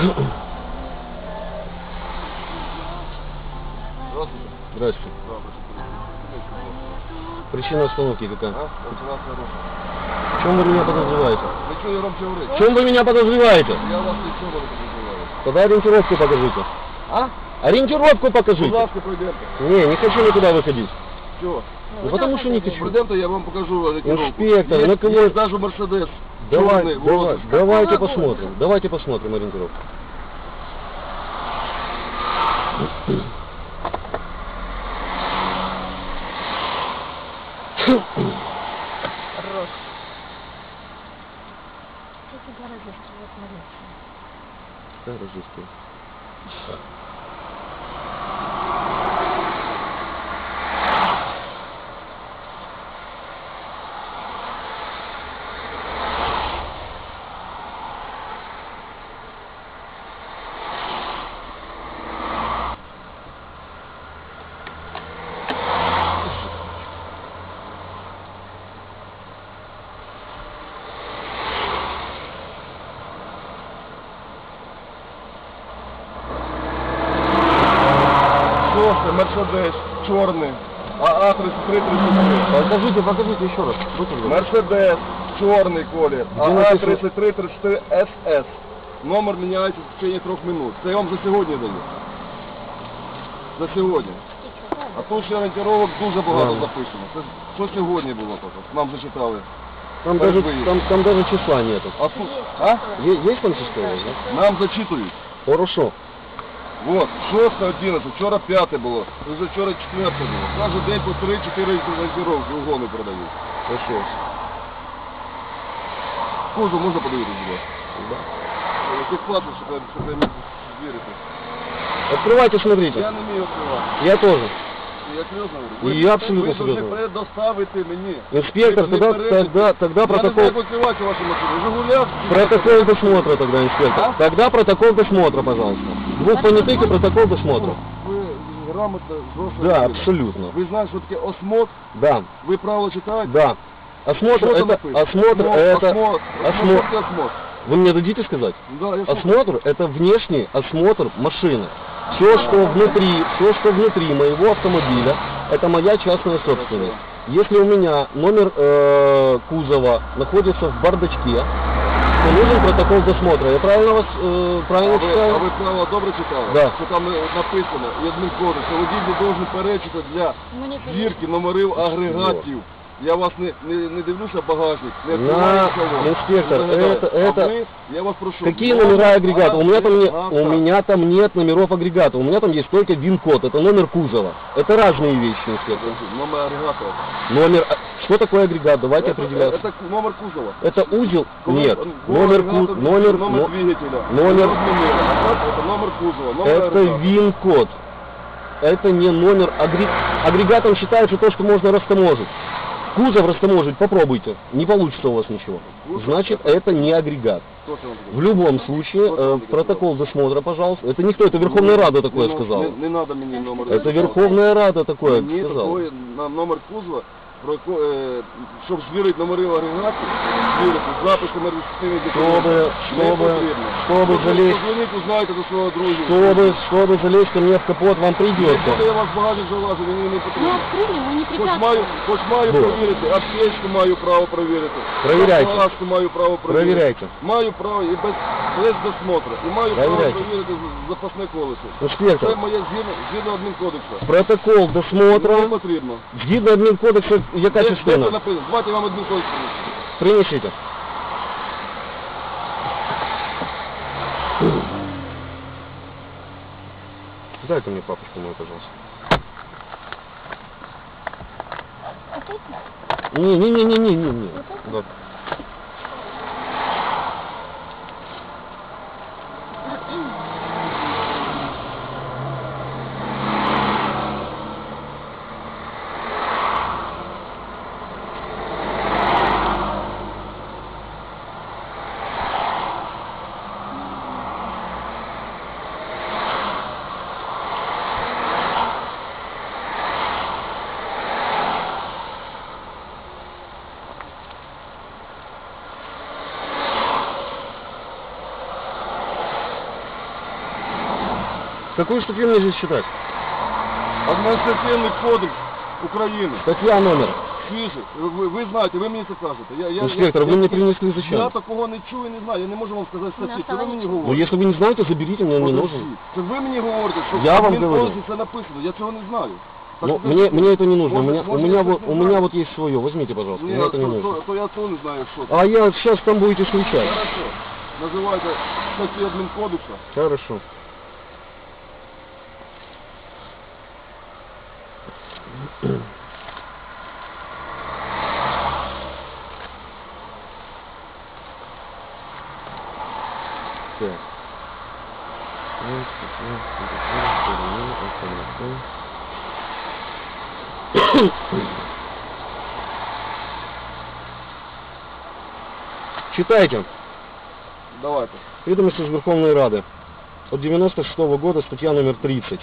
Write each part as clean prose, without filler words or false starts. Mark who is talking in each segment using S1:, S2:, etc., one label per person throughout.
S1: Здравствуйте.
S2: Здравствуйте.
S1: Да,
S2: Причина остановки какая?
S1: а?
S2: В чем вы меня подозреваете?
S1: Ви чого я громче говорити?
S2: В чем вы меня подозреваете?
S1: Я вас нічого не подозреваю.
S2: Тогда ориентировку покажите.
S1: А?
S2: Ориентировку
S1: Будь
S2: покажите.
S1: ласка, пройдемте.
S2: Не хочу никуда выходить.
S1: Чого?
S2: Ну потому что не хочу.
S1: Пройдемте, я вам покажу ориентировку.
S2: Инспектор, на кого...
S1: Есть даже Мерседес. Черный,
S2: Давайте посмотрим. Давайте посмотрим ориентировку.
S3: Хорош. Эти города вот молодцы.
S2: Да, рождество.
S1: Мерседес, черный, АА-3333.
S2: Покажите еще раз.
S1: Мерседес, черный колір,
S2: Где написано?
S1: АА-3334СС. Номер міняється в течение 3 минут. Це я вам за сьогодні даю. За сьогодні. А тут ще орієнтировок дуже багато
S2: Ладно.
S1: записано. Це що сьогодні було тут? Нам зачитали.
S2: Там даже числа нету.
S1: А тут, а?
S2: Есть там число? Да?
S1: Нам зачитують.
S2: Хорошо.
S1: Вот, 6-11, вчора 5 було, вже вчора 4 було. Кожен день по 3-4 орієнтировки угони продають.
S2: Хорошо.
S1: Кузов можна подивитися, будь ласка? Який платить, щоб я міг звірити.
S2: Открывайте, смотрите.
S1: Я не вмію відкривати.
S2: Я тоже.
S1: Я серйозно говорю.
S2: Я абсолютно
S1: ви
S2: серйозно.
S1: Ви предоставити мені.
S2: Инспектор,
S1: Ви не
S2: тогда
S1: перечите.
S2: протокол...
S1: Я не знаю, як відкривати вашу машину. Жигуляк.
S2: Протокол досмотра тогда, инспектор.
S1: А?
S2: Тогда протокол досмотра, пожалуйста. Двух понятых и протокол досмотра.
S1: Ви грамотно, жорстко.
S2: Да,
S1: говорите.
S2: абсолютно.
S1: Ви знаєте, що таке осмотр?
S2: Да,
S1: Ви правила читаєте?
S2: да. Осмотр
S1: Что там
S2: это...
S1: написано?
S2: Осмотр это...
S1: Осмотр. Осмотр.
S2: Вы мне дадите сказать?
S1: Да, я слушаю.
S2: Осмотр это внешний осмотр машины. Все, что внутри моего автомобиля, это моя частная собственность. Если у меня номер кузова находится в бардачке, то нужен протокол досмотра. Я правильно вас правильно
S1: А
S2: читаю?
S1: ви правила добре читали?
S2: Да.
S1: Що там написано, і адмінкодекс, що водій не должен перечити для звірки номерів агрегатів. Я вас не дивлюся багажник, не відкриваю салон.
S2: Инспектор,
S1: Не заглядаю.
S2: это...
S1: А ви, я вас прошу.
S2: Какие номера агрегата? У
S1: Агрегата.
S2: меня там нет номеров агрегата. У меня там есть только ВИН-код. Это номер кузова. Это разные вещи, инспектор.
S1: Номер агрегата.
S2: Номер... Что такое агрегат? Давайте определяться.
S1: Это номер кузова.
S2: Это узел? Нет.
S1: Номер
S2: Номер
S1: двигателя.
S2: номер-
S1: Это номер кузова. Номер
S2: Это
S1: агрегата.
S2: ВИН-код. Это не номер агрегатом считается то, что можно растаможить. Кузов растаможить попробуйте. Не получится у вас ничего. Значит, это не агрегат.
S1: Кто це вам говорить?
S2: В любом случае, протокол досмотра, пожалуйста. Это никто, это Верховная Рада такое сказала.
S1: Не надо мені номер.
S2: Это Верховная Рада такое
S1: Мені
S2: сказала.
S1: такої номер кузова, щоб звірити номери агрегатів, звірити записами реєстраційних документів.
S2: Чтобы залезть,
S1: Позвоніть, узнаєте до свого друга.
S2: чтобы залезть ко мне в капот, вам
S1: Коли
S2: придется.
S1: я вас багажник залажу, мені не
S3: Ну,
S1: потрібно.
S3: открыли, мы не
S1: Хоч маю
S2: Ну.
S1: провірити, аптечку маю право провірити.
S2: Провіряйте.
S1: Палашку маю право провірити.
S2: Провіряйте.
S1: Маю право і без досмотру. І маю право
S2: Провіряйте.
S1: провірити запасне колесо. Це
S2: Инспектор,
S1: моє згідно адмінкодексу.
S2: протокол
S1: Мені
S2: досмотра,
S1: потрібно.
S2: згідно адмінкодексу, яка
S1: Де це
S2: частина?
S1: написано? Давайте я вам адмінкодекс.
S2: Принесите. Дайте мне папочку мою, пожалуйста. Не. Да. Какую статью мне здесь читать?
S1: Адміністративний кодекс України.
S2: Статья номер.
S1: Свіже. Ви знаєте, ви мені це кажете.
S2: Инспектор, вы мне принесли
S1: Я
S2: зачем?
S1: такого не чую, не знаю. Я не можу вам сказати статті. Це ви мені
S2: Ну,
S1: говорите.
S2: если вы не знаете, заберите, мне не нужно.
S1: Це ви мені говорите, що
S2: Я
S1: в
S2: вам
S1: Адмінкодексі
S2: говорю.
S1: це написано. Я цього не знаю. Так
S2: Ну,
S1: ви-
S2: мне это не нужно.
S1: Может,
S2: У меня
S1: я не знаю.
S2: вот есть свое. Возьмите, пожалуйста.
S1: Ні,
S2: Мне это не нужно.
S1: то я то не знаю, що це.
S2: А я сейчас там будете встречать.
S1: Хорошо. Називайте статті Адмінкодексу.
S2: Хорошо. Так. Читайте.
S1: Давайте.
S2: Ведомости из Верховной Рады. От 96 года, статья номер 30.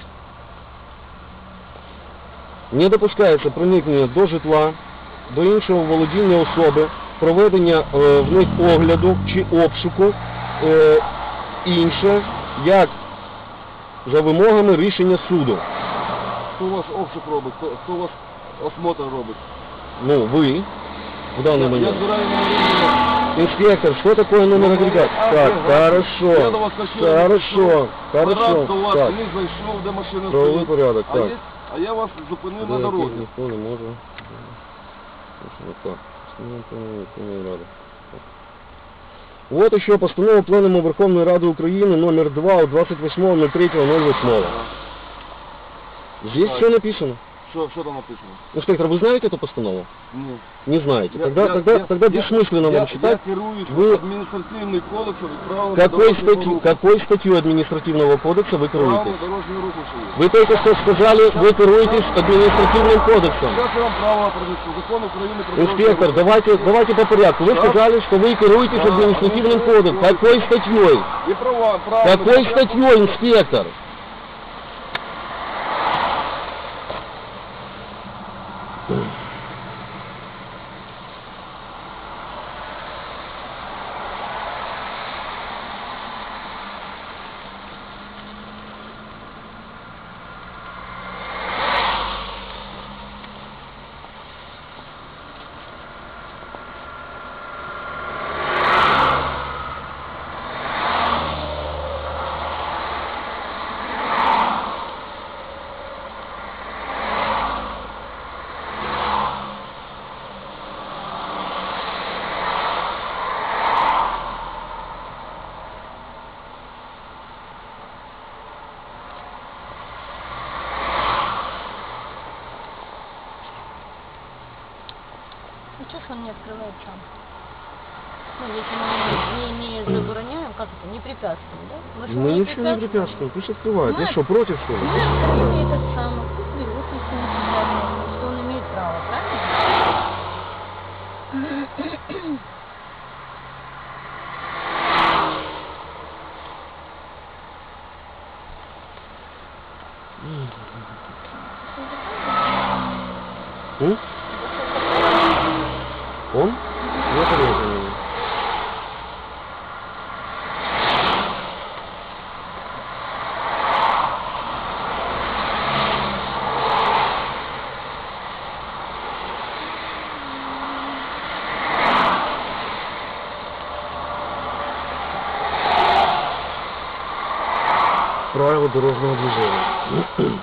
S2: Не допускається проникнення до житла, до іншого володіння особи, проведення в них огляду чи обшуку, інше, як за вимогами рішення суду.
S1: Хто у вас обшук робить? Хто у вас осмотр робить?
S2: Ну, вы, в данный
S1: Я
S2: момент.
S1: збираю на
S2: Инспектор, что такое номер агрегат? Так, хорошо,
S1: Я до вас хочу.
S2: хорошо,
S1: Раз
S2: хорошо.
S1: до вас
S2: Так,
S1: не зайшов, де машина
S2: правовий
S1: стоїть.
S2: порядок, так.
S1: А я вас зупинив на
S2: Да,
S1: дорозі.
S2: ніхто не може. Вот так. Верховної Ради. Вот еще постанова Пленуму Верховної Ради України номер 2 от 28.03.08. Здесь
S1: Так.
S2: все написано.
S1: Що там написано?
S2: Инспектор, вы знаете эту постанову?
S1: Ні.
S2: Не знаете.
S1: Я-
S2: Тогда
S1: я-
S2: бессмысленно
S1: я
S2: вам читать.
S1: Я керуюсь
S2: Вы-
S1: адміністративним кодексом і правилами
S2: Какой статью административного кодекса вы
S1: Правилами
S2: керуетесь?
S1: дорожнього руху що є.
S2: Вы только что сказали, вы керуетесь административным кодексом.
S1: Зараз я вам правила принесу. Закон України про дорожній
S2: Инспектор,
S1: рух.
S2: давайте по порядку. Вы
S1: Да.
S2: сказали, что вы керуетесь
S1: Да,
S2: административным
S1: административным
S2: кодексом. Какой статьей?
S1: І права,
S2: Какой статьей, инспектор?
S3: Ну что ж он не открывает сам? Ну, если мы не забороняем, как это, не препятствуем, да? Вы же
S2: Мы
S3: не
S2: ничего не препятствуем. Пусть открывает.
S3: Ну,
S2: Вы что, против, что ли?
S3: Мы открыли этот самый, пусть берут, если он препятствует, что он имеет право, правильно?
S2: М? Он? Я понятия не имею. Правила дорожного движения.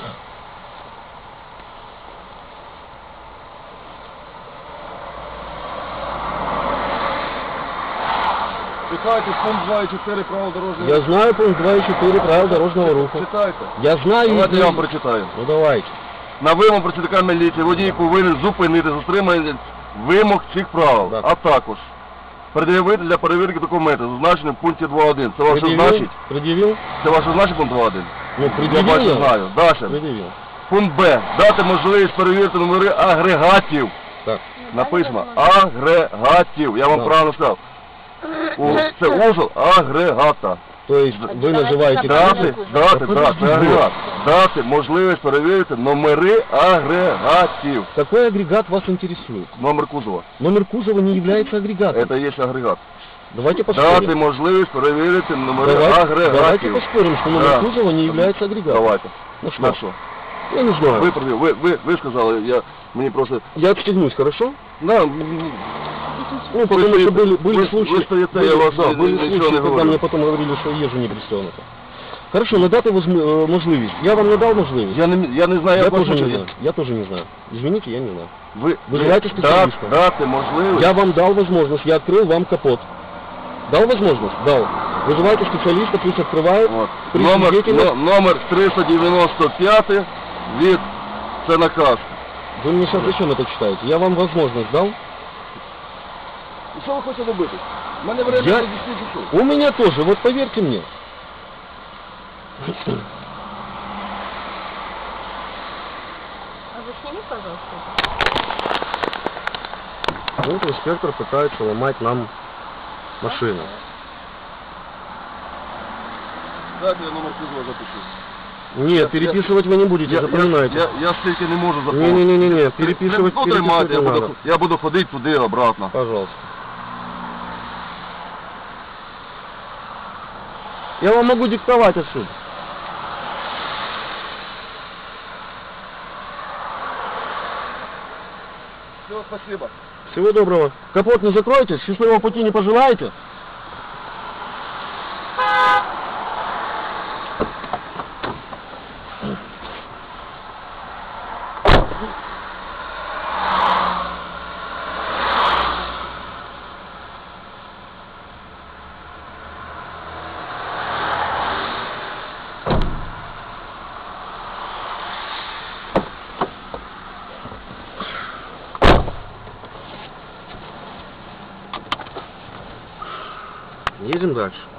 S1: Читайте пункт 2 і 4 правил дорожнього
S2: Я
S1: руху.
S2: знаю пункт 2 и 4 правил дорожного руху.
S1: Читайте.
S2: Я знаю
S1: Давайте
S2: их.
S1: я вам прочитаю.
S2: Ну давайте.
S1: На вимогу працівника міліції водій повинен зупинити затримання вимог цих правил,
S2: Да.
S1: а також пред'явити для перевірки документи, зазначені в пункті 2.1. Це ваше значить?
S2: Предъявил?
S1: Це ваше значить пункт 2.1?
S2: Ну,
S1: Я
S2: предъявил
S1: бачу,
S2: я?
S1: знаю. Далі.
S2: Предъявил.
S1: Пункт Б. Дати можливість перевірити номери агрегатів.
S2: Так.
S1: Написано агрегатів. Я вам
S2: Да.
S1: правильно сказав. Це узол агрегата.
S2: То есть
S3: А
S2: вы
S3: давайте
S2: называете...
S3: забрать.
S1: Дати, це агрегат. Дати можливість перевірити номери агрегатів.
S2: Какой агрегат вас интересует?
S1: Номер кузова.
S2: Номер кузова не является агрегатом.
S1: Это и есть агрегат.
S2: Давайте
S1: дати
S2: поспорим.
S1: можливість перевірити номери
S2: Давайте
S1: агрегатів.
S2: поспорим, что номер
S1: Да.
S2: кузова не является агрегатом.
S1: Давайте.
S2: Ну что?
S1: На що?
S2: Я не знаю.
S1: Ви сказали, мені просто...
S2: Я отстегнусь, хорошо?
S1: Да,
S2: Ну, потому что были
S1: вы
S2: случаи,
S1: стоите, я вас
S2: были
S1: ничего
S2: случаи,
S1: не
S2: когда
S1: говорю.
S2: мне потом говорили, что я езжу не пристегнуто. Хорошо, надати можливість. Я вам надав можливість?
S1: Я не знаю,
S2: Я
S1: як
S2: тоже не
S1: вас
S2: знаю. Я тоже не знаю. Извините, я не знаю.
S1: Ви
S2: Вызывайте специалиста.
S1: дати можливість.
S2: Я вам дал возможность, я открыл вам капот. Дал возможность? Дал. Вызывайте специалиста, пусть открывает.
S1: От.
S2: При
S1: Номер
S2: свидетелях.
S1: 395 від... Це наказ.
S2: Вы мне сейчас зачем это читаете? Я вам возможность дал.
S1: І що ви хочете робити? У мене время
S2: Я-
S1: пішов.
S2: У меня тоже, вот поверьте мне.
S3: А вы сними, пожалуйста.
S2: Вот инспектор пытается ломать нам машину.
S1: Дайте я номер кузова запишу.
S2: Нет, переписывать вы не будете, запоминайте.
S1: Я стільки не можу запомнити.
S2: Не-не-не, переписывать,
S1: Ну, тримайте,
S2: переписывать не надо.
S1: я буду ходити туди, обратно.
S2: Пожалуйста. Я вам могу диктовать отсюда.
S1: Все, спасибо.
S2: Всего доброго. Капот не закройте, счастливого пути не пожелаете? Едем дальше.